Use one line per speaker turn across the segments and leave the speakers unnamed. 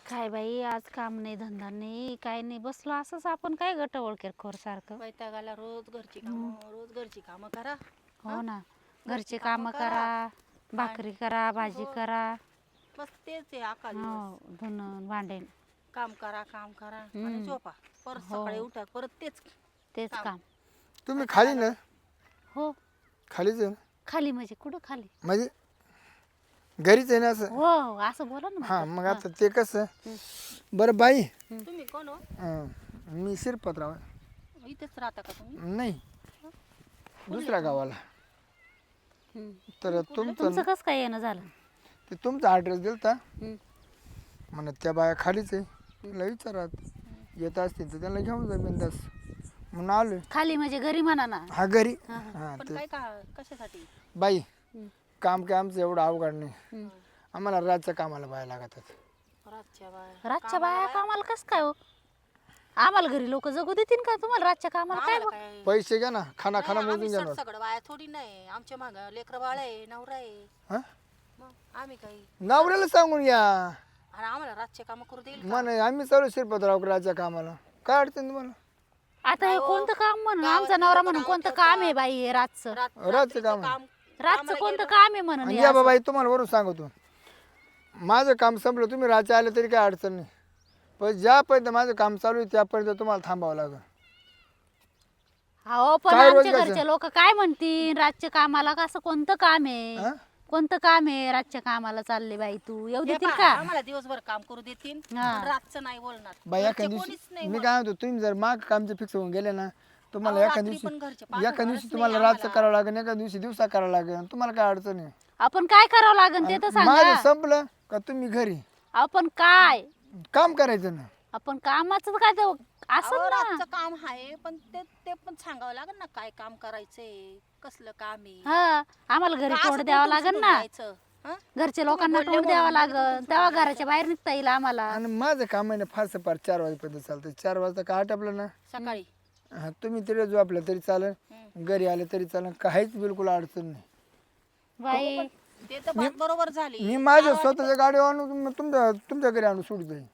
काय बाई आज काम नाही धंदा नाही काय नाही बसलो असंच आपण काय गटवळ किरकोळ सारखं.
वैतागाला रोज घरची कामं करा.
हो ना घरचे काम करा भाकरी करा भाजी करा
बस तेच आहे अकाल
हो
दिवस.
धुणं भांडे
काम करा आणि झोपा परत सकाळी उठा परत तेच
तेच काम.
तुम्ही खाली ना
हो
खालीच आहे ना?
खाली म्हणजे कुठं खाली
म्हणजे घरीच आहे ना असं?
हो असं बोला ना
हा मग आता ते कसं बरं बाई
तुम्ही कोण हो?
मी शिरपतराव आहे.
इथेच राहता का तुम्ही?
नाही दुसऱ्या गावाला. तर
तुमचं
तुमचं
कसं काय येणं झालं.
ते तुमचा ॲड्रेस दिलता
हम्म.
म्हणा त्या बाया खालीच आहे तिला विचारात येत असतील तर त्यांना घेऊन जा बिंदास म्हणून आलोय.
खाली म्हणजे घरी म्हणा ना.
हा घरी हा
पण
ते
काय का कशासाठी?
बाई
हम्म.
काम काय आमचं एवढं अवघड नाही.
हम्म.
आम्हाला रातच्या कामाला बाया लागतात.
रातच्या बाया कामाला कसं काय हो आम्हाला घरी लोक जगू देतील का तुम्हाला रातच्या कामाला काय
आम्हाला
बघ-
काय
पैसे घ्या ना खाना खाना
नाही,
मोजून
आम्ही
घ्या ना.
सगळं बाया थोडी नाही आमच्या माग लेकर बाळ आहे नवरा आहे.
हा
मग आम्ही काही
नवऱ्याला सांगून या
आणि आम्हाला रातचे काम करू देईल का?
म्हणे आम्ही चालू शिरपतराव रातच्या कामाला काय अडचण तुम्हाला?
आता हे कोणतं काम म्हणून आमचा नवरा म्हणून कोणतं काम आहे बाई हे रातचं
रातचं
रात्रीचं
काम.
रातचं कोणतं काम आहे म्हणून
आणि
हे
या
असं?
बाबा तुम्हाला वरून सांगतो माझं काम संपलं तुम्ही रातच्या आले तरी काय अडचण नाही पण ज्यापर्यंत माझं काम चालू आहे त्यापर्यंत तुम्हाला थांबावं लागेल.
हो पण
काय रोज
आमच्या
कसं?
घरचे लोक काय म्हणतील रातच्या कामाला कसं कोणतं काम आहे
हा?
कोणतं काम आहे रातच्या कामाला चालले बाई तू येऊ
हे
देतील
पहा,
का
आम्हाला दिवसभर काम करू देतील
हा.
पण रातचं नाही बोलणार.
बाई
घरचे
एखाद्या
कोणीच
दिवशी
नाही
मी
बोलणार.
काय म्हणतो तुम्ही जर माग कामचे फिक्स होऊन गेले ना तुम्हाला
अहो,
एका
रात्री पण घरचे
दिवशी
पाहणार
एका दिवशी
नाही
तुम्हाला
आम्हाला.
रातचं करावं लागेल एका दिवशी दिवसा करावं लागेल तुम्हाला काय अडचण आहे.
आपण काय करावं लागेल ते तर
माझं
सांगा
संपलं का तुम्ही घरी
आपण काय
काम करायचं ना.
आपण कामाचं काय ते असं
अहो,
ना
रातचं काम आहे पण ते पण सांगावं लागेल ना काय काम करायचंय कसलं काम आहे.
हा आम्हाला घरी
का
तोड
असं
द्यावं
उठून
लागेल
सुटून
ना
जायचं? हं?
घरच्या लोकांना
बोलले
तोड द्यावं
म्हणून लगेच
लागेल
उठून
तेव्हा
सुटून
घराच्या बाहेर निघता येईल आम्हाला
आणि माझं काम आहे ना फारसं फार 4 वाजेपर्यंत चालतं 4 वाजता का आटपलं ना
सकाळी
हा तुम्ही तरी झोपलं तरी चालेल घरी आले तरी चालेल काहीच बिलकुल अडचण नाही.
बाई
ते तर बात बरोबर झाली.
मी माझ्या स्वतःच्या गाडीवर आणून तुमच्या घरी आणून सोडू जाईल.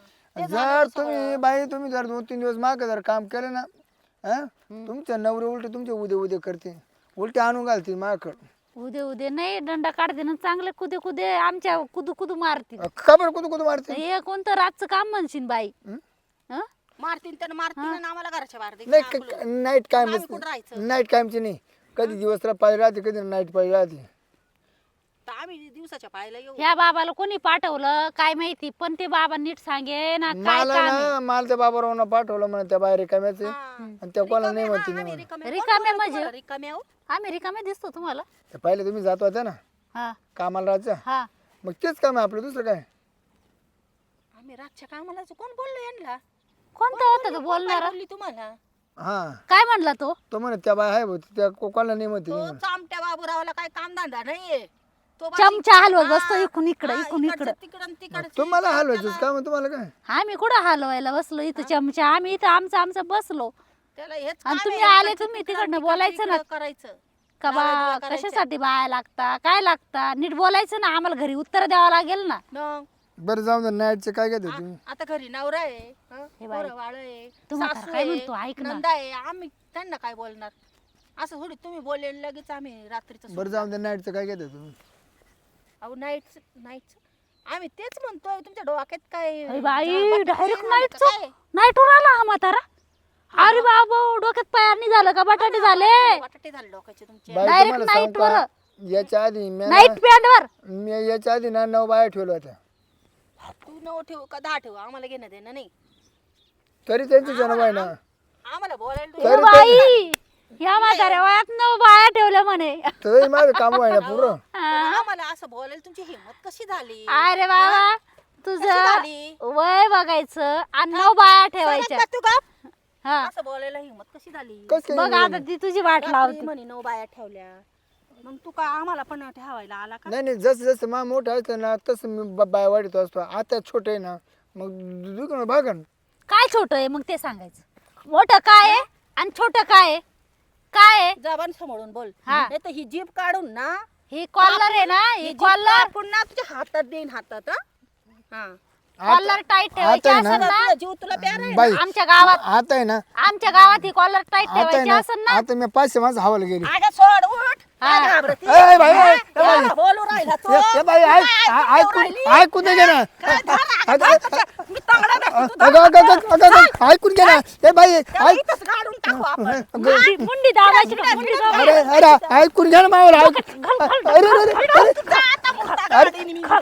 जर तुम्ही बाई तुम्ही जर 2-3 दिवस मागे जर काम केलं ना तुमच्या नवरे उलटे तुमचे उद्या करते उलटे आणून घालते माझ्याकडं.
उदे नाही दंडा काढते ना चांगले कुदे आमच्या कुदू मारतील
खबर कुठं मारते
हे कोणतं रातचं काम म्हणशील बाई हं?
मारतीन त्यानं मारतीन आणि आम्हाला घराच्या बाहेर देतील.
नाही नाईट कायम
आम्ही कुठं राहायचं?
नाईट कायमची नाही कधी दिवस पाळी राहते कधी नाईट पाळी राहते.
तर आम्ही दिवसाच्या पाहायला येऊ.
ह्या बाबाला कोणी पाठवलं काय माहिती पण ते बाबा नीट सांगे ना काय
मला
काम आहे.
ना मला त्या बाबारावांना पाठवलं म्हणा त्या बाहेर रिकाम्याचे
हा.
आणि त्या कोणाला नाही म्हणते
आम्ही
नाही
रिकामे
रिकामे
कोण
म्हणजे?
तुम्हाला रिकामे आहो?
आम्ही रिकामे दिसतो तुम्हाला
म्हणते पहिले तुम्ही जात होत्या ना
हा
कामाला राहायचं
हा
मग तेच काम आहे आपलं दुसरं काय.
आम्ही रातच्या कामाला कोण बोललो यांना?
कोणता होता तो
कोण
बोलणारा
बोलली तुम्हाला?
हा
काय म्हणला तो
तो म्हणे त्या बाय आहे भाऊ, त्या कोणाला नाही म्हणते
तो
नाही म्हणे.
चामट्या बाबूरावाला काय काम धंदा नाहीये. तो बस
चमचा हलवत
हा,
बसतो इकडून इकडं
हा,
इकडून
इकडचं
इकडं
तिकडं आणि तिकडचं
तुम्हाला
इकडं
हलवायचं का मग तुम्हाला काय.
आम्ही कुठं हलवायला बसलो इथं चमचा आम्ही इथं आमचं बसलो
त्याला हेच
आणि
काम
तुम्ही
आहे,
आले
इकडचं
तुम्ही
तिकडं,
तिकडनं
तिकडचं
बोलायचं ना.
इकडं करायचं.
का बा
लावाडुवा करायच्या.
कशासाठी बाया लागता काय लागता नीट बोलायचं ना आम्हाला घरी उत्तर द्यावं लागेल ना
मग
बरं जाऊ दे नाईटचे काय घेते तुम्ही.
आता घरी नवरा आहे
हे बाई,
पोरं बाळ आहे
तू म्हातारा
सासू
काय
आहे,
म्हणतो, ऐक ना.
नंदा आहे आम्ही त्यांना काय बोलणार असं थोडी तुम्ही बोलले लगेच आम्ही रात्रीचं
बरं जाऊ दे नाईटचं काय घेते तुम्ही.
अहो नाईट आम्ही तेच म्हणतोय तुमच्या डोक्यात काय
अरे बाई
बटाटे
डायरेक्ट
झाले का काय?
नाईट आला हा म्हातारा अरे बाबा डोक्यात पायार नाही झालं का बटाटे झाले
बटाटे झाले डोक्याचे तुमचे
बाई
Direct
तुम्हाला सांगू
night वर.
का याच्या आधी
नाईट पॅन्ट वर
मी याच्या आधी ना 9 बाया ठेवल्या होत्या
तू 9 ठेवू का 10 ठेवू आम्हाला घेणं देणं नाही
तरी त्यांची जन्म आहे ना.
आम्हाला बोलायला
ए बाई या म्हाताऱ्या वयात 9 बाया ठेवल्या म्हणे
तरी माझं काम आहे ना पुरं.
पण आम्हाला असं बोलायला तुमची हिंमत कशी झाली
अरे बाबा तुझं
झाली?
वय बघायचं आणि 9 बाया ठेवायच्या
सरक बा तू गप.
हा
असं बोलायला हिंमत कशी झाली
कसं
बघ
काय
आता ती तुझी वाट
रात्री
लावती
म्हणे 9 बाया ठेवल्या मग तू काय आम्हाला पण ठेवायला आला का
नाही जसं जसं मा मोठं असतं ना तसं मी बाया वाढत असतो आता छोटे आहे ना मग दुकान भागन.
काय छोट आहे मग ते सांगायचं मोठं काय आहे आणि छोट काय आहे काय आहे
जबान समोरून बोल
हा.
नाही तर ही जीभ काढून ना
ही कॉलर आहे ना ही
जीभ
कॉलर
कापून ना तुझ्या हातात देईन हातात हा
कॉलर टाईट ठेवायची
आता आहे ना,
असेल ना
तुझा जीव तुला प्यारा आहे.
बाई
आमच्या गावात
आता आहे ना,
आमच्या गावात ही कॉलर टाईट
आता आहे
ठेवायची
ना,
असेल ना
आता मी 500 माणसं हवाला गेली.
अगं सोड उठ काय घाबरती?
ए बाई, ए बाई,
एवढं बोलू राहिला तू
ए बाई, ऐकून दे ना.
मी तांगडा दाखवतो तुझा.
ऐकून घे ना. ए बाई,
त्याला इथंच गाडून टाकू आपण.
मुंडी दाबायची का मुंडी दाबायची?
अरे ऐकून घे ना मावला. अरे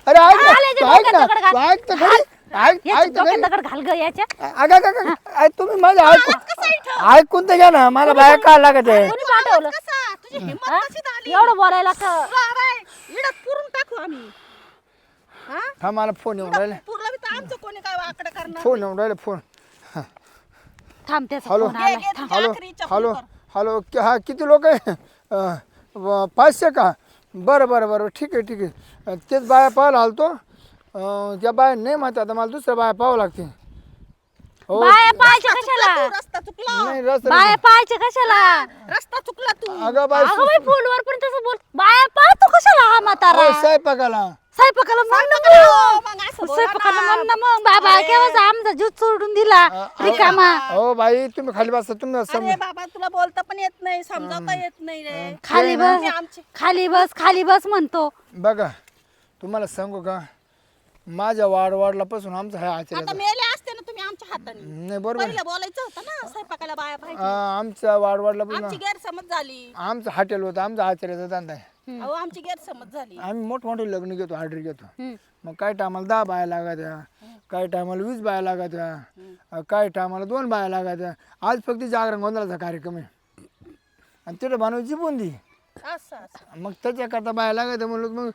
ऐक ना, ऐक तर खरी. ऐक तर खरी.
दगड घाल ग याच्या
तुम्ही माझं ऐकून तर घ्या ना. मला बाया काय लागत आहे.
कोणी पाठवलं
कसा तुझी हिंमत
हा?
कशी झाली?
एवढं बोलायला का
इडत पुरून टाकू आम्ही. हा?
हा मला फोन येऊन राहिले.
पुरलं बी तर आमचं कोणी काय वाकडं करणार
फोन येऊन राहिले फोन.
थांब त्याचा
हॅलो.
फोन आलाय
घे,
थांब.
तुझ्या
हॅलो
आखरीच्या
हॅलो
फोनवर.
हॅलो हा किती लोक आहे? 500 का? बरं बरं बरं ठीक आहे ठीक आहे. तेच बाया पाहायला आलतो. त्या बाया नाही म्हणतात आता मला दुसऱ्या बाया पाहावं लागते. हो
बाया पाहायच्या
रस्ता चुकला
कशाला
तू, रस्ता चुकला
नाही रस्ता
बाया पाहायच्या कशाला
रस्ता चुकला तू.
अगं बाई
अगं बाई फोनवर पण तसं बोल बाया पाहतो कशाला हा म्हातारा
हो, स्वयंपाकाला
स्वयंपाकाला म्हण ना
हो, मग असं बोला
स्वयंपाकाला
ना.
म्हण ना मग बाबा केव्हा आमचा जीव सोडून दिला रिकामा
हो बाई तुम्ही खाली बसा तुम्ही
अरे बाबा तुला बोलता पण येत नाही समजावता येत नाही रे
खाली
तुम्ही
बस
आमची
खाली बस म्हणतो
बघा तुम्हाला सांगू का माझ्या वाढवाडलापासून आमचा हा
आता
आचार्य
मेले असते ना तुम्ही आमच्या हाताने
नाही बरोबर
पहिलं बोलायचं होतं ना स्वयंपाकाला बाया पाहिजे
आमच्या वाढवाडलापासून
आमची गैरसमज झाली
आमचं हॉटेल होतं आमचा आचार्याचा धंदा आहे.
अहो आमची गैरसमज झाली
आम्ही मोठमोठे लग्न घेतो ऑर्डर घेतो.
हम्म.
मग काही टायमाला 10 बाया लागायच्या काही टायमाला 20 बाया लागायच्या काही टायमाला 2 बाया लागायच्या. आज फक्त जागरण गोंधळाचा कार्यक्रम आहे आणि तिथे बनवायची बुंदी.
असं
मग त्याच्याकरता बाया लागायच्या म्हणलं मग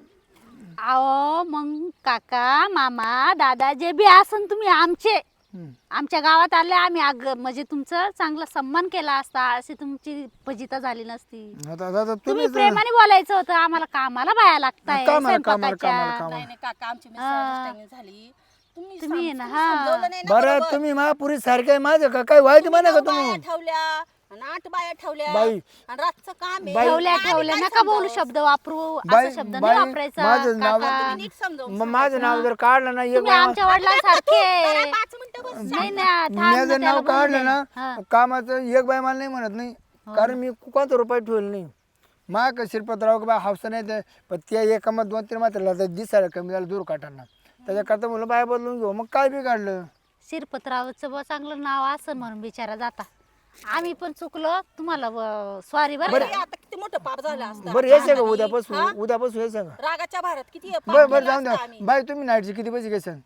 अहो मग काका मामा दादा जे बी असन तुम्ही आमचे आमच्या गावात आले आम्ही म्हणजे तुमचं चांगला सन्मान केला असता अशी तुमची फजिता झाली नसती.
आता
तुम्ही
तुम्ही
प्रेमाने बोलायचं होतं आम्हाला कामाला बाया लागताय
कामाला
स्वयंपाकाच्या.
नाही नाही काका आमची मिसअंडरस्टँडिंग झाली तुम्ही
तुम्ही
सम-
ना,
तुम्ही
हा.
समजावलं नाही ना
बरं
बरोबर.
तुम्ही महापुरी सारखे आहे माझं का काय वाईट म्हणा का
9 बाया
तुम्ही
ठेवल्या आणि 8 बाया ठेवल्या
बाई.
आणि रातचं काम आहे.
ठेवल्या
आम्ही
ठेवल्या
काय
नका बोलू
समजावं?
शब्द वापरू
बाई-
असा शब्द नाही
बाई,
वापरायचा
माझं नाव-
काका.
तुम्ही नीट समजावून
मग माझं नाव जर काढलं ना एक
तुम्ही
बाया
आमच्या वडिलांसारखे
जरा 5 मिनिटं बस.
नाही ना थांब ना,
माझं
त्याला
नाव
बोलू
काढलं
दे.
ना
हा.
कामाचं एक बाय मला नाही म्हणत नाही कारण मी कोणता रुपये ठेवलं नाही. मा का शिरपतराव का बाय हावसा नाही ते पण त्या एका मग 2-3 मात्र दिसायला कमी झालं दूर काढताना त्याच्याकरता म्हणलं बाय बदलून घेऊ मग काय बी काढलं.
शिरपतरावचं बुवा चांगलं नाव असं म्हणून बिचारा जाता आम्ही पण चुकलो तुम्हाला सॉरी बरं
अरे,
का?
आता किती मोठं पाप झालं असतं
बरं यायचं का उद्यापासून उद्यापासून यायचं का?
रागाच्या भारत किती
बरं बरं जाऊन द्या बाय तुम्ही नाईटचे किती पैसे घ्यायचं?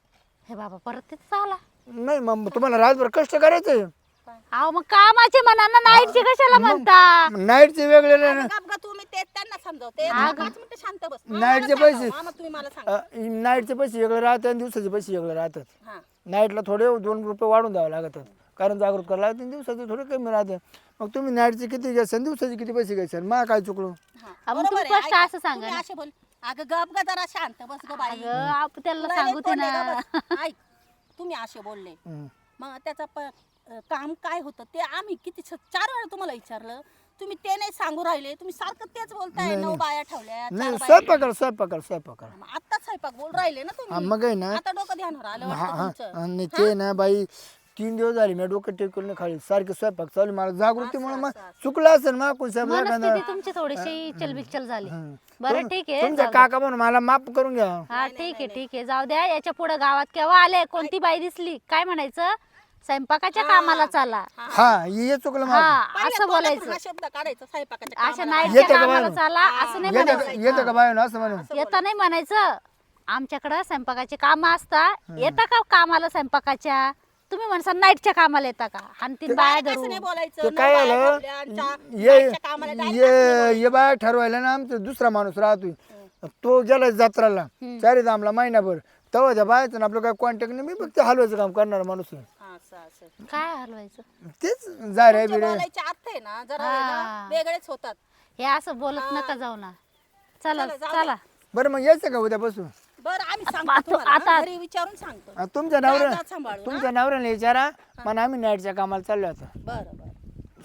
हे बाबा परत तेच आला
नाही मग तुम्हाला रातभर कष्ट करायचं
अहो मग कामाचे म्हणा ना नाईटचे कशाला म्हणता
नाईटचे वेगळे नाही ना.
गप ग तुम्ही ते त्यांना समजावते 5 मिनिटं शांत बस
नाईटचे पैसे
मामा तुम्ही मला सांगा
नाईटचे पैसे वेगळे राहतात आणि दिवसाचे पैसे वेगळे राहतात.
हा
नाईटला थोडे 2 रुपये वाढून द्यावे लागतात कारण जागृत करायला लागते आणि दिवसाचे थोडे कमी राहते. मग तुम्ही नाईटचे किती घ्यायचं दिवसाचे किती पैसे घ्यायचे मग काय चुकलो?
हा.
मग
बरोबर
तुम्ही
आहे,
स्पष्ट
ऐका.
असं सांगा
तुम्ही
ना.
असे बोल अगं गप ग जरा शांत बस ग बाई
अगं आपण त्याला
तुला
सांगू
लय
ते
तोंड आहे
ना
ग बस. ऐक तुम्ही असे बोलले
हम्म.
मग त्याचा काम काय होतं ते आम्ही किती 4 वेळा तुम्हाला विचारलं तुम्ही ते नाही सांगू राहिले तुम्ही सारखं तेच बोलताय 9 बाया ठेवल्या 4
नाही
बाया
स्वयंपाक
मग आता स्वयंपाक बोल राहिले ना
हा,
तुम्ही
मग आहे ना
आता डोकं ध्यानावर आलं
हा
वाटतं
हा
तुमचं
आणि ते ना बाई 3 दिवस झाले मी डोकं टेकून नाही खाली सारखे स्वयंपाक चालू मला जागृतीमुळे मग चुकलं असेल मग कोण साहेब
मनस्थिती तुमची थोडीशी चलबिचल झाली बरं ठीक आहे
तुमच्या काका म्हणून मला माफ करून घ्या.
हा ठीक आहे जाऊ द्या याच्या पुढे गावात केव्हा आले कोणती बाई दिसली काय म्हणायचं स्वयंपाकाच्या कामाला चाला
हा हे चुकलं
हा
माझं.
असं बोलायचं
हा शब्द काढायचा स्वयंपाकाच्या
अशा
कामाला.
नाईटच्या
येते का
कामाला
बाहेर?
चाला असं नाही म्हणायचं
येतं का बाय असं म्हणून
येता नाही म्हणायचं आमच्याकडं स्वयंपाकाचे काम असतात येता का कामाला स्वयंपाकाच्या तुम्ही म्हणसा नाईटच्या कामाला येता का आणि तीन बाया
असं
धरून
नाही बोलायचं
ते
नऊ
काय
बाया
आलं
ठेवल्या आणि चा-
ये
बाईच्या कामाला जायचं.
ये बाय ठरवायला ना आमचा दुसरा माणूस राहतोय तो गेला जत्राला 4 दामला महिनाभर तेव्हा त्या बायचं ना आपलं काय कॉन्टॅक्ट नाही मी फक्त हलवायचं काम करणार माणूस आहे.
असं
काय हलवायचं
तेच जा रे
तुमचे
बिरे
बोलायचे अर्थ आहे ना जरा आहे ना, वेगळेच होतात
हे असं बोलत नका जाऊ ना चला
चला, जाऊ
चला
बरं मग यायचं का उद्यापासून?
बरं आम्ही
आता-
सांगतो तुम्हाला,
आता-
हा, घरी विचारून सांगतो
तुमच्या नवऱ्या
जा, जा, सांभाळून,
तुमच्या नवऱ्याला विचारा पण आम्ही नाईटच्या कामाला चाललो आता
बरं बरं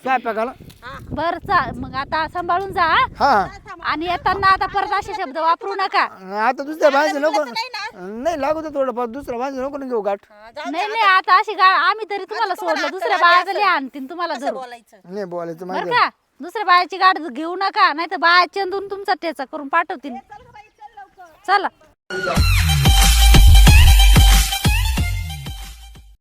स्वयंपाकाला.
बर मग आता सांभाळून जा हा?
हा
आणि येताना आता परत असे शब्द वापरू नका.
आता दुसऱ्या भाजी नको
नाही ना
नाही लागू तर थोडं दुसऱ्या भाजी नको ना घेऊ गाठ.
नाही नाही आता अशी आम्ही तरी तुम्हाला सोडलं दुसऱ्या बाया तरी आणतील तुम्हाला
कसं
धरून
बोलायचं
नाही बोलायचं
बर
माहिती
का. दुसऱ्या बायाची गाडी घेऊ नका नाही तर बाया चेंदून तुमचा ठेचा करून पाठवतील.
चल गं बाई, चल लवकर.
चला